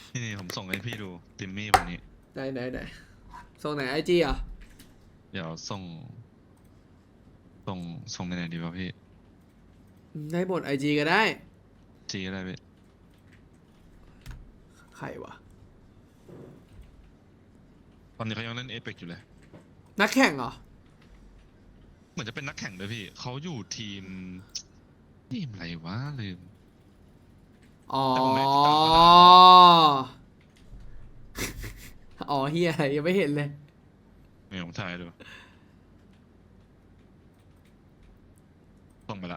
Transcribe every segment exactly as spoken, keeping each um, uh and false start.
นี่นี่ผมส่งให้พี่ดูติมมี่วันนี้ไหนไหนไหนส่งไหนไอจีอ่ะเดี๋ยวส่งส่งส่งในไหนดีวะพี่ได้หมดไอจีก็ได้จีอะไรพี่ใครวะตอนนี้เขายังเล่นเอเปกอยู่เลยนักแข่งเหรอเหมือนจะเป็นนักแข่งด้วยพี่เขาอยู่ทีมทีมอะไรวะลืมอ๋อแต่ผมไม่ได้ติดตามมานานอ๋อเฮียอะไรยังไม่เห็นเลยไม่ผมถ่ายดูส่งไปละ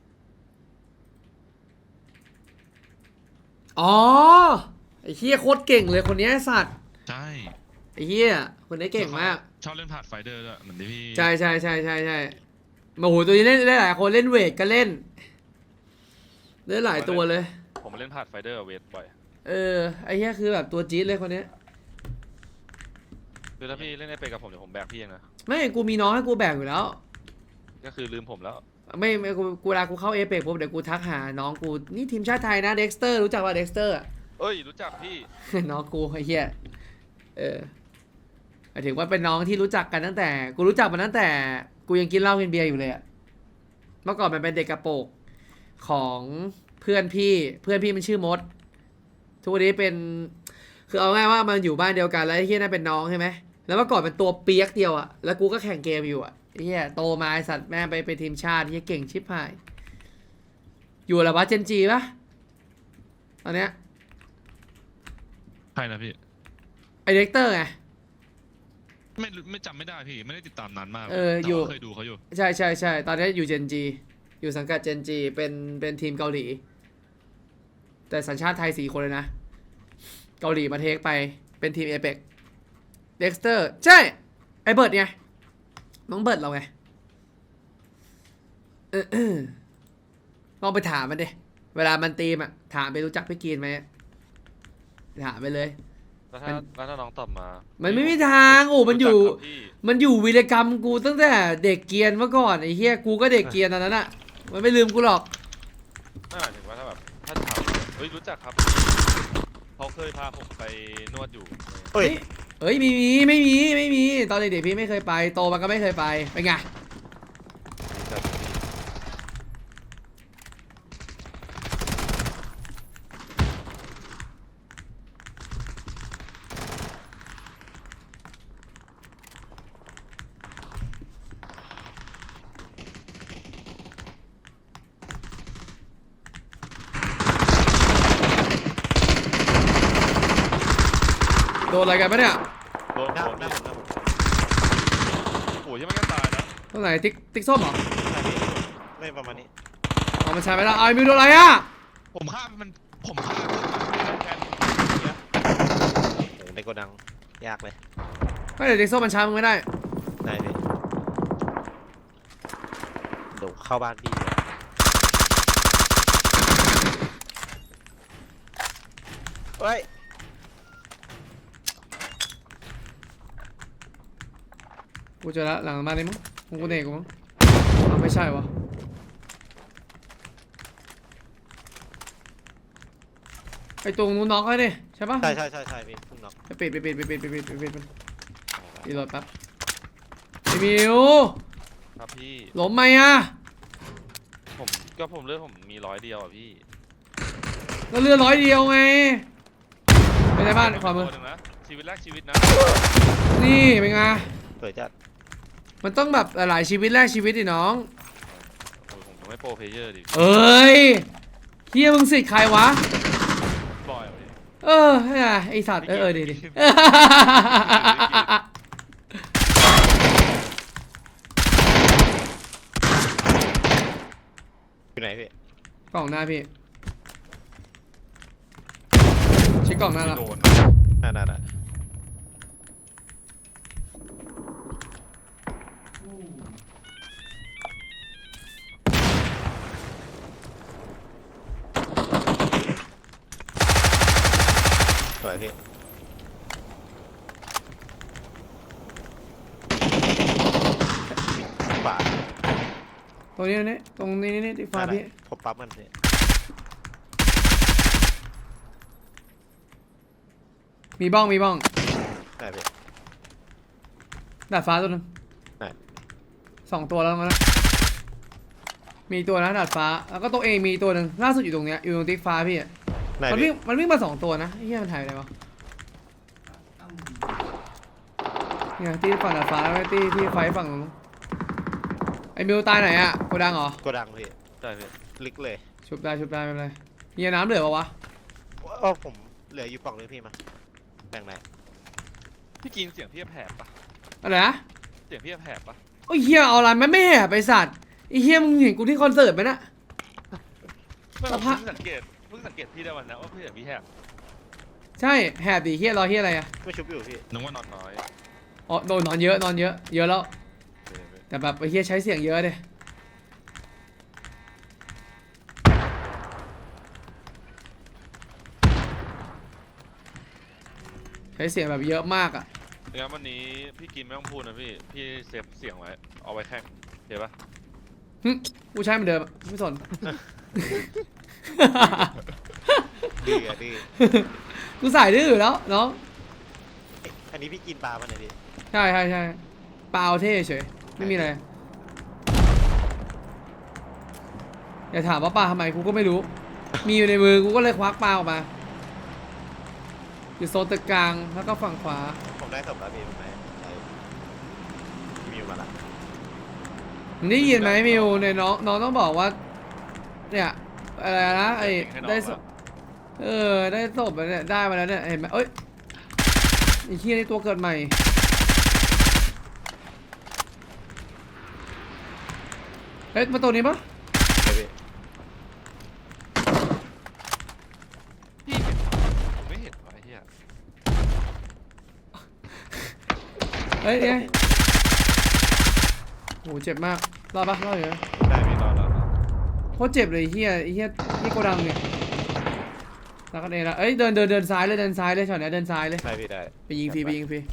อ๋อไอ้เฮียโคตรเก่งเลยคนนี้ไอ้สัตว์ใช่ไอ้เฮียคนนี้เก่งมากชอบเล่นพาดไฟเดอร์ด้วยเหมือนที่พี่ใช่ใช่ใช่ใช่ใช่โอ้โหตัวนี้เล่นได้หลายคนเล่นเวทก็เล่นเล่นหลายตัวเลยผมมาเล่นพาดไฟเดอร์เวทบ่อยเออไอ้เฮียคือแบบตัวจี๊ดเลยคนนี้คือถ้าพี่เล่นได้ไปกับผมเดี๋ยวผมแบกพี่เองนะไม่กูมีน้องให้กูแบ่งอยู่แล้วก็คือลืมผมแล้วไม่ไม่กูกูเวลากูเข้าเอเปกปุ๊บเดี๋ยวกูทักหาน้องกูนี่ทีมชาติไทยนะเด็กสเตอร์รู้จักว่าเด็กสเตอร์เอ้ยรู้จักพี่น้องกูไอ้เหี้ยเออหมายถึงว่าเป็นน้องที่รู้จักกันตั้งแต่ กูรู้จักมันตั้งแต่กูยังกินเหล้ากินเบียร์อยู่เลยอะเมื่อก่อนมันเป็นเด็กกระโปรงของเพื่อนพี่เพื่อนพี่มันชื่อมดทุกวันนี้เป็นคือเอาง่ายว่ามันอยู่บ้านเดียวกันแล้วไอ้เหี้ยนั่นเป็นน้องใช่ไหมแล้วเมื่อก่อนเป็นตัวเปียกเดียวอะแล้วกูก็แข่งเกมอยู่อะไอ้เหี้ยโตมาไอ้สัตว์แม่งไปเป็นทีมชาติเหี้ยเก่งชิบหายอยู่อะไรวะเจนจีปะตอนเนี้ยใครนะพี่ไอเด็กเตอร์ไงไม่ไม่จำไม่ได้พี่ไม่ได้ติดตามนานมากเอออยู่เคยดูเขาอยู่ใช่ใช่ใช่ตอนนี้อยู่เจนจีอยู่สังกัดเจนจีเป็นเป็นทีมเกาหลี แต่สัญชาติไทยสี่คนเลยนะ เกาหลีมาเทคไปเป็นทีมเอเปกเด็กเตอร์ใช่ ไอเบิร์ดไงน้องเบิร์ดเราไงเออเออลองไปถามมันดิเวลามันตีมอ่ะถามไปรู้จักพี่กีนไหมถามไปเลยแล้วถ้าแล้วถ้าน้องตอบมามันไม่มีทางโอ้มันอยู่รู้จักครับพี่มันอยู่วีรกรรมกูตั้งแต่เด็กเกรียนเมื่อก่อนไอ้เฮียกูก็เด็กเกรียนตอนนั้นอ่ะมันไม่ลืมกูหรอกไม่หมายถึงว่าถ้าแบบถ้าถามเฮ้ยรู้จักครับเขาเคยพาผมไปนวดอยู่เฮ้ยเฮ้ยมีมีไม่มีไม่มีตอนเด็กๆพี่ไม่เคยไปโตมาก็ไม่เคยไปเป็นไงรู้จักพี่โดนอะไรกันปะเนี่ยโดนหน้าโดผมนหน้าพี่ผมหน้าผมโอ้ยยังไม่กันตายนะตรงไหนติ๊กติ๊กส้มเหรอหน้าพี่ไม่ประมาณนี้เอามาใช้ไปแล้วเอาไอ้มิวโดนอะไรอ่ะผมฆ่ามันผมฆ่าแคนเนี่ยโอ้โหในโกดังยากเลยไม่แต่ติ๊กส้มมันช้ามึงไม่ได้ได้พี่เดี๋ยวเข้าบ้านพี่เลยเฮ้ยกูเจอแล้วหลังบ้านนี้มั้งของกูเด็กกูมั้งเอาไม่ใช่วะไอตรงนู้นน็อกเลยดิใช่ปะใช่ใช่ใช่ใช่พี่เพิ่งน็อกไปปิดไปปิดไปปิดไปปิดไปปิดมันรีโหลดแป๊บไอมิวครับพี่ล้มไหมอ่ะผมก็ผมเลือกผมมีร้อยเดียวอ่ะพี่ก็เลือดร้อยเดียวไงไปในบ้านขวามือตัวหนึ่งนะชีวิตแรกชีวิตนะนี่เป็นไงสวยจัดมันต้องแบบหลายชีวิตแรกชีวิตดิน้องโอ้ยผมจะไม่โปรเพลเยอร์ดิเอ้ยเฮียมึงสิทธิ์ใครวะบอยอ่ะพี่เออไอ้ไอสัตว์เออเออดีดิอยู่ไหนพี่กล่องหน้าพี่เช็คกล่องหน้าแล้วโดนน่าน่าน่าสวยพี่ขวาตรงนี้นี่ตรงนี้นี่ที่ฟ้าพี่ผมปั๊บมันพี่มีบ้องมีบ้องได้พี่ดาดฟ้าตัวนึงได้สองตัวแล้วมั้งนะมีตัวนะดาดฟ้าแล้วก็ตัวเองมีตัวหนึ่งล่าสุดอยู่ตรงเนี้ยอยู่ตรงติ๊กฟ้าพี่อะได้มันวิ่พี่งมันวิ่งมาสองตัวนะไอ้เหี้ยมันถ่ายไปไหนวะเนี่ยที่ฝั่งดาดฟ้าแล้วไอ้ที่ที่ไฟฝั่งนู้นไอ้มิวตายไหนอะโกดังเหรอโกดังพี่ได้พี่ลึกเลยชุบได้ชุบได้ไม่เป็นไรเฮียน้ำเหลือปะวะโอ้ผมเหลืออยู่ปล่องนึงพี่มาแบ่งไหนพี่กินเสียงพี่แผบปะอะไรนะเสียงพี่แผบปะโอ้ยเฮียเอาอะไรมันไม่แห่ไปสัตว์ไอ้เฮียมึงเห็นกูที่คอนเสิร์ตไหมนะไม่สผมภาพเพิ่งสังเกตเพิ่งสังเกตพี่ได้วันนะว่าพี่เสียงพี่แผบใช่แห่ดิเฮียรอเฮียอะไรอะไม่ชุบอยู่พี่นึกว่านนออน นน้อยอ๋อโดนนอนเยอะนอนเยอะเยอะแล้วเออเว้ยแต่แบบไอ้เฮียใช้เสียงเยอะเลยใช้เสียงแบบเยอะมากอะงั้นวันนี้พี่กินไม่ต้องพูดนะพี่พี่เซฟเสียงไว้เอาไว้แข่งเห็นปะหึกูใช้เหมือนเดิมอะไม่สนดื้ออะดื้อกูใส่ดื้ออยู่แล้วน้องเอ๊ะอันนี้พี่กินปลาป่ะเนี่ยพี่ใช่ใช่ใช่เปล่าเท่เฉยไม่มีอะไรอย่าถามว่าปลาทำไมกูก็ไม่รู้ มีอยู่ในมือกูก็เลยควักปลาออกมาอยู่โซนตึกกลางแล้วก็ฝั่งขวาผมได้ศพแล้วพี่ผมได้ใช่มีอยู่มาละมึงได้ยินไหมมิวในน้องน้องต้องบอกว่า เนี่ยอะไรนะไอ้ให้น้องได้ศอะพเออได้ศพมาเนี่ยได้มาแล้วเนี่ยเห็นไหมเอ้ยไอ้เหี้ยนี่ตัวเกิดใหม่เฮ้ยมาตัวนี้ปะใช่พี่พี่เห็นปะผมไม่เห็นวะไอ้เหี้ยเฮ้ยเนี่ยโหเจ็บมากรอดปะรอดอยู่นะได้พี่รอแล้วโคตรเจ็บเลยไอ้เฮียไอ้เฮียนี่โกดังเนี่ยแล้วก็เองละเอ้ยเดินเดินเดินซ้ายเลยเดินซ้ายเลยช็อตเนี้ยเดินซ้ายเลยได้พี่ได้ไปยิงฟรีไปยิงฟรี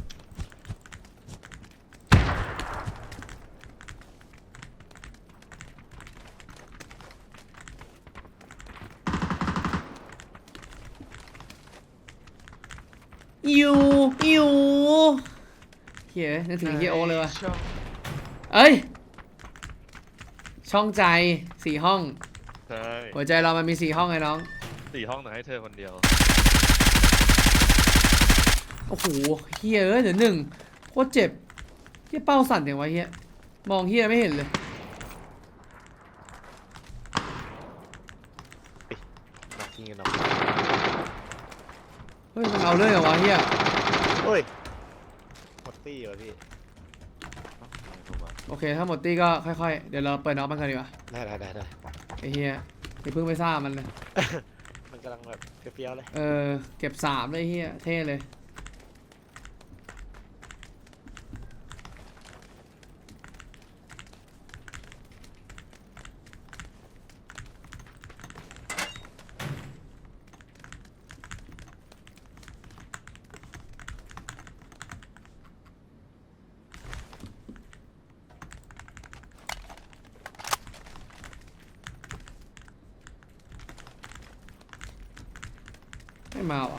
อิวอิวเฮียนึกถึงเฮียโอเลยว่ะช่องเอ้ยช่องใจสี่ห้องใช่หัวใจเรามันมีสี่ห้องไงน้องสี่ห้องแต่ให้เธอคนเดียวโอ้โหเฮียเอ้ยเดี๋ยวหนึ่งโคตรเจ็บเฮียเป้าสั่นอย่างวะเฮียมองเฮียไม่เห็นเลยนักยิงกันเนาะเฮ้ยมันเอาเลยเหรอวะเฮียโอ้ยหมดตี้เหรอพี่โอเคถ้าหมดตี้ก็ค่อยๆเดี๋ยวเราเปิดน็อกมันกันดีกว่าได้ได้ได้ได้ไอ้เฮียอย่าเพิ่งไปซ่ามันเลยมันกำลังแบบเปรี้ยวๆเลยเออเก็บสามเลยเฮียเท่เลยไม่มาว่ะ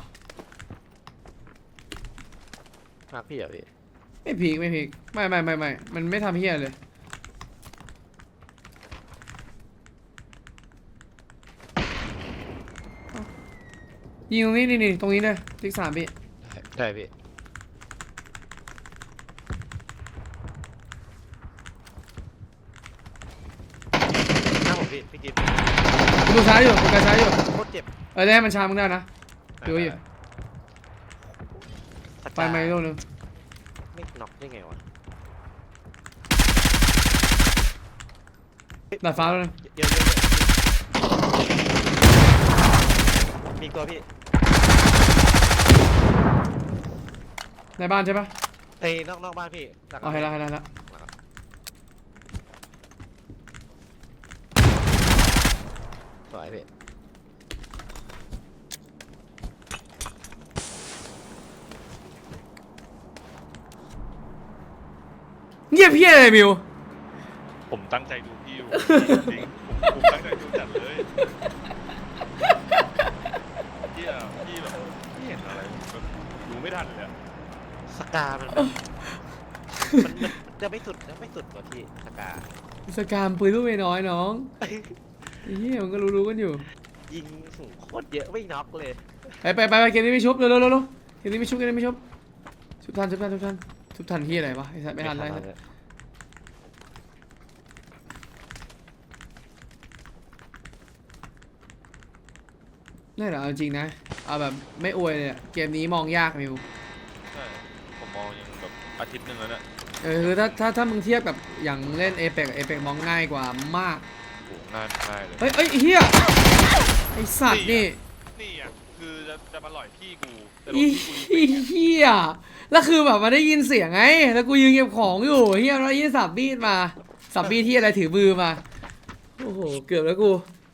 มากพี่เหรอพี่ไม่พีกไม่พีกไม่ไม่ไม่ไม่มันไม่ทำเฮียเลยยิงตรงนี้นี่นี่ตรงนี้เลยติ๊กสามพี่ได้ได้พี่หน้าผมพี่พี่กินกูดูซ้ายอยู่กูดูซ้ายอยู่โคตรเจ็บเออได้ให้มันชามึงได้นะ ดูอยู่สักไปไหมลูกนึงไม่น็อกได้ไงวะดาดฟ้าลูกนึงเยอะเยอะเยอะมีอีกตัวพี่ในบ้านใช่ปะเอ้ยนอกนอกบ้านพี่หลังเอาให้ละให้ละให้ละสวยพี่เงียบเพี้ยอะไรมิวผมตั้งใจดูพี่อยู่จริงๆผมผมตั้งใจดูจัดเลยพี่อะพี่แบบพี่เห็นอะไรแบบไม่ทันเลยอะสกา มันแบบมันมันจะไม่สุดจะไม่สุดกว่าที่สกาสกามปืนลูกเมน้อยน้องไอ้เหี้ยมันก็รู้ๆกันอยู่ยิงสูงโคตรเยอะไม่น็อกเลยไปไปไปไปเกมนี้ไม่ชุบเร็วเร็วเร็วเร็วเกมนี้ไม่ชุบเกมนี้ไม่ชุบชุบทันชุบทันชุบทันชุบทันที่อะไรวะไอ้สัตว์ไม่ทันอะไรม่เลยนี่แหละเอาจริงนะเอาแบบไม่อวยเลยอะเกมนี้มองยากมิวใช่ผมมองยังแบบอาทิตย์หนึ่งแล้วเนี่ยเออคือถ้าถ้าถ้ามึงเทียบกับอย่างเล่นเอเปกเอเปกมองง่ายกว่ามากโหง่ายง่ายเลยเฮ้ยเฮ้ยไอ้เฮียไอสัตว์นี่นี่อ่ะคือจะจะมาหล่อยพี่กูแต่หลอีบพี่กูยิงเฮียแล้วคือแบบมันได้ยินเสียงไงแล้วกูยืนเก็บของอยู่เฮียแล้วยินสับมีดมาสับมีดที่อะไรถือมือมาโอ้โหเกือบแล้วกู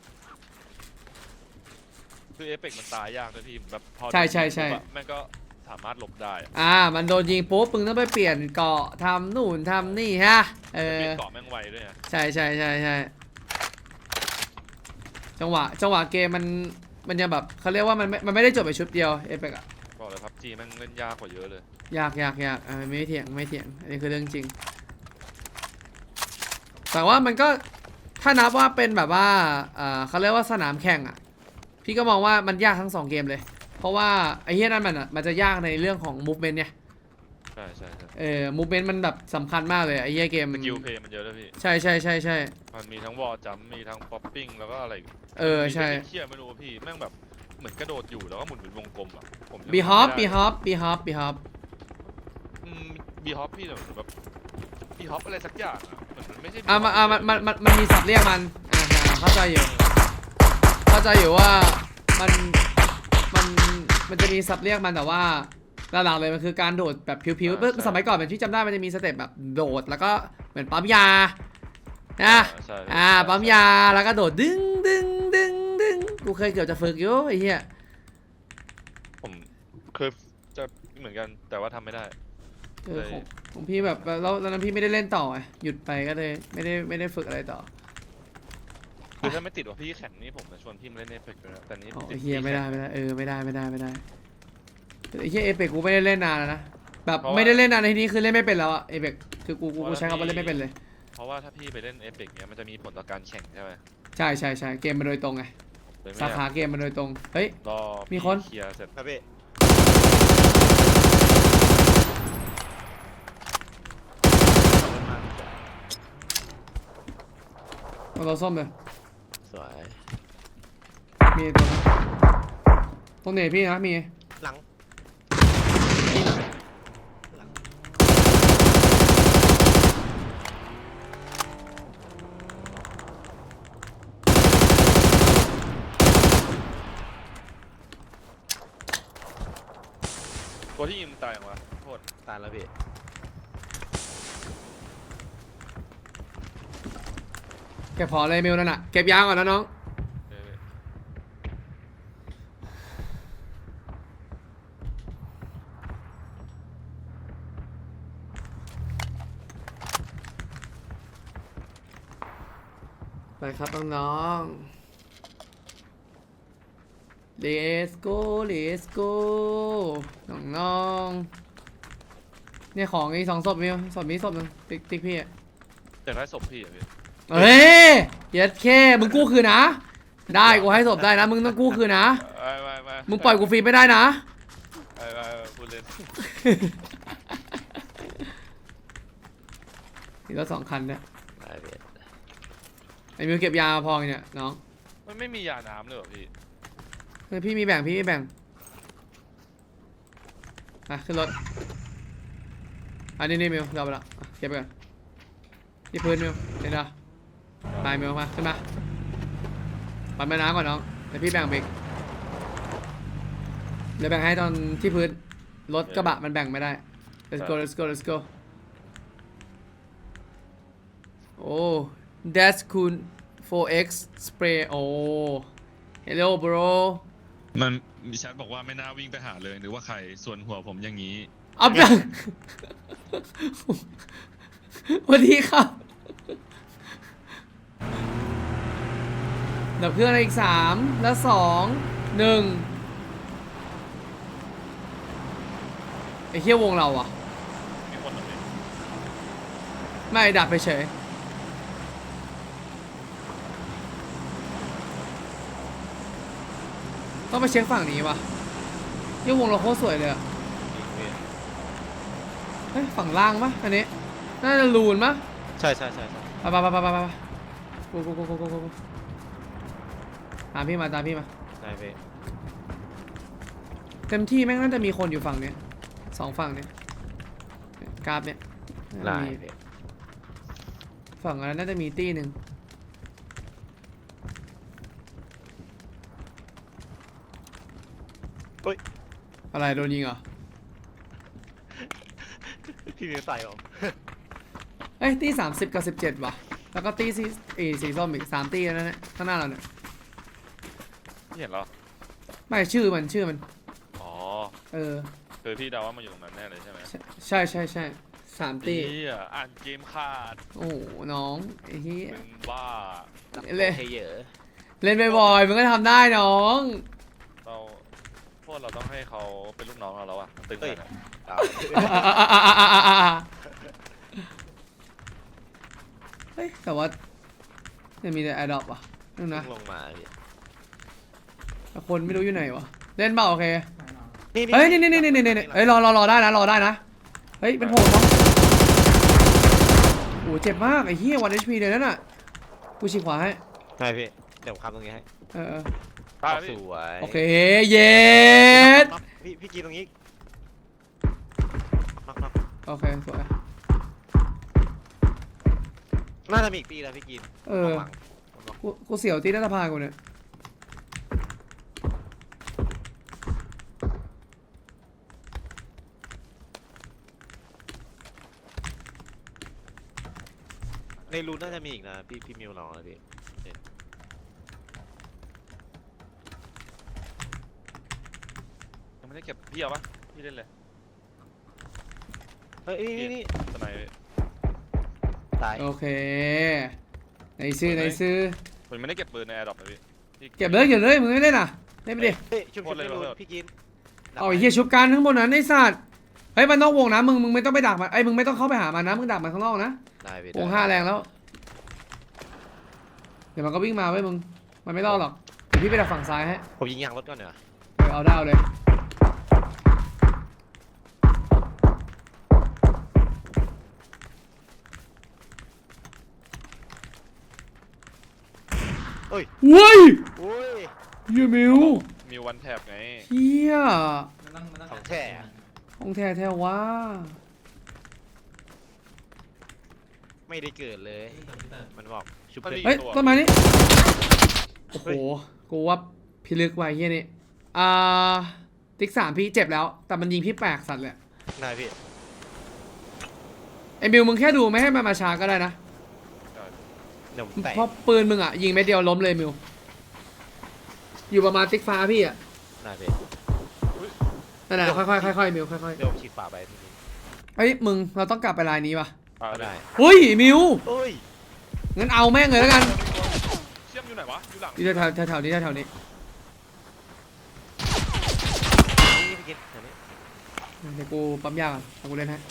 คือเอฟเฟกต์มันตายยากเลยพี่แบบพอใช่ใช่ใช่ปุ๊บอะแม่งก็สามารถหลบได้อะอ่ามันโดนยิงปุ๊บมึงต้องไปเปลี่ยนเกาะทำนู่นทำนี่ฮะเอเปลี่อยนเกาะแม่งไวด้วยนะใช่ใช่ใช่ใช่จังหวะจังหวะเกมมันมันจะแบบเขาเรียกว่ามันไม่มันไม่ได้จบไปชุดเดียวเอเปกอะบอกเลยพับจีแม่งเล่นยากกว่าเยอะเลยยากยากยากอ่าไม่เถียงไม่เถียงอันนี้คือเรื่องจริง แต่ว่ามันก็ถ้านับว่าเป็นแบบว่าอ่าเขาเรียกว่าสนามแข่งอ่ะพี่ก็มองว่ามันยากทั้งสองเกมเลย เพราะว่าไอ้เหี้ยนั่นมันอ่ะมันจะยากในเรื่องของ movement เนี่ยใช่ใช่ใช่เออ movement มันแบบสำคัญมากเลยไอ้เหี้ยเกมสกิลเพย์มันเยอะด้วยพี่ใช่ใช่ใช่ใช่มันมีทั้งวอลจัมมีทั้งป๊อปปิ้งแล้วก็อะไรกเออใช่มีเที่ยไม่รู้ว่าพี่แม่งแบบเหมือนกระโดดอยู่แล้วก็หมุนเป็นวงกลมอ่ะผมยังบีฮอปทำบีไม่ได้ฮอปบีฮอปบีฮอปอืมบีฮอปพี่แต่เหมือนแบบบีฮอปอะไรสักอย่างอ่ะเหมือนมันไม่ใช่อ่ะมันอ่ะมันมันมันมันมีศัพท์เรียกมันอ่าฮะเข้าใจอยู่เข้าใจอยู่ว่ามันมันมันจะมีศัพท์เรียกมันแต่ว่าหลักๆเลยมันคือการโดดแบบผิวๆเมื่อสมัยก่อนเป็นที่จำได้มันจะมีสเต็ปแบบโดดแล้วก็เหมือนปั๊มยานะใช่อ่าปั๊มยาแล้วก็โดดดึงดึงดึงดึงกูเคยเกือบจะฝึกอยู่ไอ้เหี้ยผมเคยจะเหมือนกันแต่ว่าทำไม่ได้เออของของพี่แบบแล้วแล้วนั้นพี่ไม่ได้เล่นต่อไงหยุดไปก็เลยไม่ได้ไม่ได้ฝึกอะไรต่อคือถ้าไม่ติดว่าพี่แข่งนี่ผมจะชวนพี่มาเล่นเอฟเฟกต์ด้วยนะแต่นี้อ๋อติไอ้ดเฮียพี่ไม่ได้แข่งไม่ได้เออไม่ได้ไม่ได้ไม่ได้ไอ้เฮียเอเปกกูไม่ได้เล่นนานแล้วนะแบบไม่ได้เล่นนานในที่นี้คือเล่นไม่เป็นแล้วอะเอเปกคือกูกูกูใช้คำว่าเล่นไม่เป็นเลยเพราะว่าถ้าพี่ไปเล่นเอฟเฟกต์เนี้ยมันจะมีผลต่อการแข่งใช่ไหมใช่ใช่ใช่เกมมาโดยตรงไงเลยไม่สาอยาขากเกมมาโดยตรงเฮ้ยรอมีคนเคลียร์เสร็จครับพี่เอาเราส้มเลยสวยมีตัวนะตรงไหนพี่นะมีหลังตัวที่ยิงมึงตายอย่างวะโทษตายแล้วพี่เก็บพอเลยมิวนั่นน่ะเก็บยางก่อนนะน้องเออไปครับน้องๆ let's go let's go น้องๆเนี่ยของอีกสองศพมิวศพนี้ศพหนึงติ๊กติ๊กพี่อะอยากได้ศพพี่อ่ะพี่เฮ้ยเย็ดแค่มึงกู้คืนนะ ได้กูให้ศพได้นะ มึงต้องกู้คืนนะไม่ไม่ไม่มึงปล่อยกูฟรีไม่ได้นะไม่ไม่ไม่พูดเล่นมีรถสองคันเนี่ยตายพี่ไอ้มิวเก็บยามาพอเนี่ยน้องมันไม่มียาน้ำเลยเหรอพี่เฮ้ยพี่มีแบ่งพี่มีแบ่งอ่ะขึ้นรถอันนี้นี่มิวเราไปละอ่ะเก็บไปก่อนที่พื้นมิวเห็นปะไปมิวมาขึ้นมาปั่นไปน้ำก่อนน้องเดี๋ยวพี่แบ่งเบรกเดี๋ยวแบ่งให้ตอนที่พื้นรถกระบะมันแบ่งไม่ได้ let's go let's go let's go โอ้ that's cool โฟร์ เอ็กซ์ spray โอ้ hello bro มันมีแชทบอกว่าไม่น่าวิ่งไปหาเลยหรือว่าใครส่วนหัวผมอย่างนี้อัพยัง สวัสดีครับดับเครื่องในอีกสามแล้วสองหนึ่งอ้เหี้ยวงเราอ่ะมีคนเหรอพี่ไม่ดักไปเฉยต้องไปเช็คฝั่งนี้ว่ะเหี้ยวงเราโคตรสวยเลยอ่ะจริงพี่เฮ้ยฝั่งล่างปะอันนี้น่าจะลูนปะใช่ใช่ใช่ใช่ไปไปไปไปไปไปกูกูกูกูกูกูตามพี่มาตามพี่มาได้พี่เต็มที่แม่งน่าจะมีคนอยู่ฝั่งเนี้ยสองฝั่งเนี้ยกราฟเนี้ยน่าได้จะมีพี่ฝั่งนั้นน่าจะมีตี้หนึ่งอะไรโดนยิงเหรอพี่มิวใส่ผมเอ้ยตี้สามสิบกับสิบเจ็ดว่ะแล้วก็ตี้สีเอสีส้มอีกสามตี้แล้วนะข้างหน้าเราเนี่ยพี่เห็นเหรอไม่ชื่อมันชื่อมันอ๋อเออคือพี่เดาว่ามันอยู่ตรงนั้นแน่เลยใช่ไหมใช่ใช่ใช่สามตี้เฮียอ่านเกมขาดโอ้โหน้องไอ้เหี้ยเป็นบ้าเล่นเทเยอร์เล่นบ่อยๆมันก็ทำได้น้องเราพวกเราต้องให้เขาเป็นลูกน้องเราแล้วอะตึงกันอะเอาเฮ้ยแต่ว่ายังมีแต่แอร์ดรอปว่ะนึงนะลงมาพี่แต่คนไม่รู้อยู่ไหนวะเล่นเปล่าโอเคนี่เฮ้ยนี่นี่นี่นี่นี่นี่เฮ้ยรอรอรอได้นะรอได้นะเฮ้ยเป็นโผล่ต้องโอ้เจ็บมากไอ้เหี้ยวันเอชพีเลยนั่นน่ะกูฉีกขวาให้ใช่พี่เดี๋ยวผมคำตรงนี้ให้เออตายสพี่วยโอเคเย็ดน็อกพี่พี่กีตรงนี้น็อกน็อกโอเคสวยน่าจะมีอีกตีแล้วพี่กีนเออหลังกูกูเสียวตีนัทพากูเนี่ยในรูนน่าจะมีอีกนะพี่พี่มิวลองนะพี่ยังไม่ได้เก็บพี่เอาปะพี่เล่นเลยเฮ้ยนี่นี่สไนป์ตายโอเคในซื้อในซื้อผมไม่ได้เก็บปืนในแอร์ดรอปเลยพี่เก็บเลยเก็บเลยมึงไม่เล่นอ่ะเล่นไปดิเฮ้ยชุบชุบในรูนพี่กีนเอาไอ้เหี้ยชุบกันข้างบนนั้นไอ้สัตว์เฮ้ยมันนอกวงนะมึงมึงไม่ต้องไปดักมันไอ้ยมึงไม่ต้องเข้าไปหามันนะมึงดักมันข้างนอกนะได้พี่วงห้าแรงแล้วเดี๋ยวมันก็วิ่งมาเว้ยมึงมันไม่รอดหรอกเดี๋ยวพี่ไปดักฝั่งซ้ายให้ผมยิงยางรถก่อนเนีกว่ยเออเอาได้เอาเลยเว้ยโอ้ยเฮียมิวมีวันแท็บไงเฮียของแท้ของแท้แท้ว่าไม่ได้เกิดเลย มันบอกชุบมันเลมียเฮ้ยตัวต้นไม้นี่โอ้โหกูว่าพิลึกไว้เฮียนี่อ่าติ๊กสามพี่เจ็บแล้ว แต่มันยิงพี่แปลกสัตว์เลยได้พี่ไอ้มิวมึงแค่ดูไม่ให้มันมาช้าก็ได้นะเดี๋ยวผมแตะเพราะปืนมึงอ่ะยิงเม็ดเดียวล้มเลยมิวอยู่ประมาณติ๊กฟ้าพี่อ่ะได้พี่นั่นแหละค่อยๆค่อยๆมิวค่อยเดี๋ยวผมฉีดฝาไปพี่กีนๆเอ้ยมึงเราต้องกลับไปลายนี้ป่ะอ่าก็ได้ได้เฮ้ยมิวโอ้ยงั้นเอาแม่งเลยแล้วกันเชื่อมอยู่ไหนวะอยู่หลังอยู่แถวๆแถวๆนี้แถวๆนี้นี่พี่กินแถวนี้เดี๋ยวกูปั๊มยาก่อนเอากูเล่นให้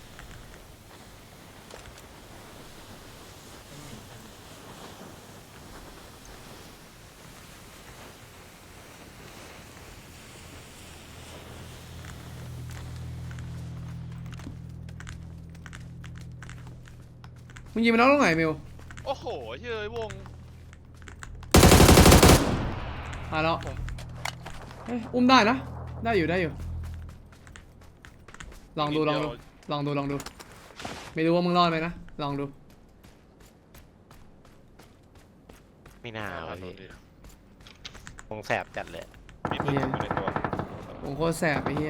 มึงยิงมันน้องตรงไหนมิวโอ้โหเฮ้ยวงมาแล้วเฮ้ยอุ้มได้นะ ได้อยู่ได้อยู่ ลองดูลองดูลองดูลองดู ไม่รู้ว่ามึงรอดไหมนะ ลองดูไม่น่าอ่าวะโดพี่นดิคงแสบจัดเลยมีปืนอยู่ในตัวผมโคตรแสบไอ้เหี้ย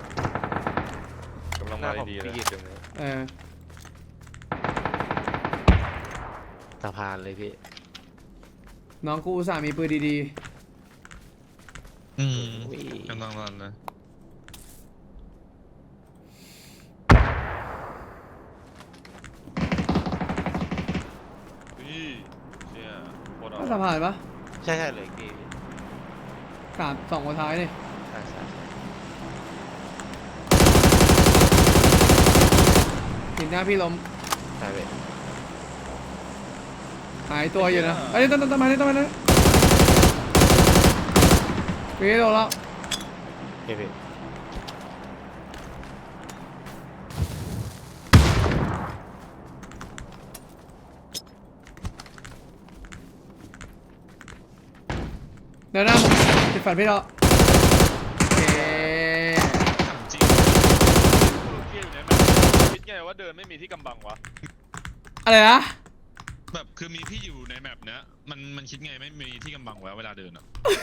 กำลังหน้ามาผมดีๆเลพี่ยกินเออสะพานเลยพี่น้องกูอุตส่าห์มีปืนดีอืมอุ้ยกำลังรันเลยพี่เชี่ยโคตรๆเอาก็สะพานปะใช่ใช่เลยพี่สามสองคนท้ายนี่ใช่ใช่ใช่หน้าพี่ล้มใช่เว้ยหายตัวอยู่นะเอ้ยต้นต้นต้นไม้ต้นไม้นะพี่โดนแล้วพี่พี่เดี๋ยวหน้าผมติดฝันพี่เราโอเคถามจริงโอเคอยู่ในแมปคิดไงว่าเดินไม่มีที่กำบังวะอะไรนะแบบคือมีพี่อยู่ในแมปเนี้ยมันมันคิดไงไม่มีที่กำบังไว้เวลาเดินอ่ะ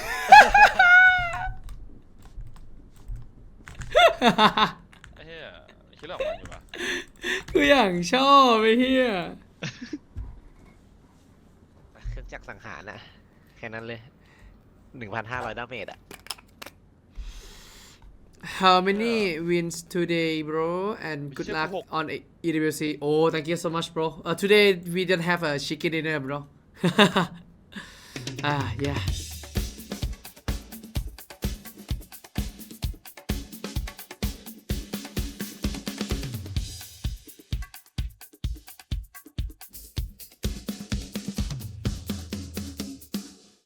ไอ้เหี้ยคิดเรื่องของมันอยู่ปะกูอย่างชอบไอ้เหี้ยเครื่องจักรสังหารนะแค่นั้นเลยหนึ่งพันห้าร้อยดาเมจอะ How many wins today bro and good luck on E W C oh thank you so much bro uh, today we don't have a chicken dinner bro ah yeah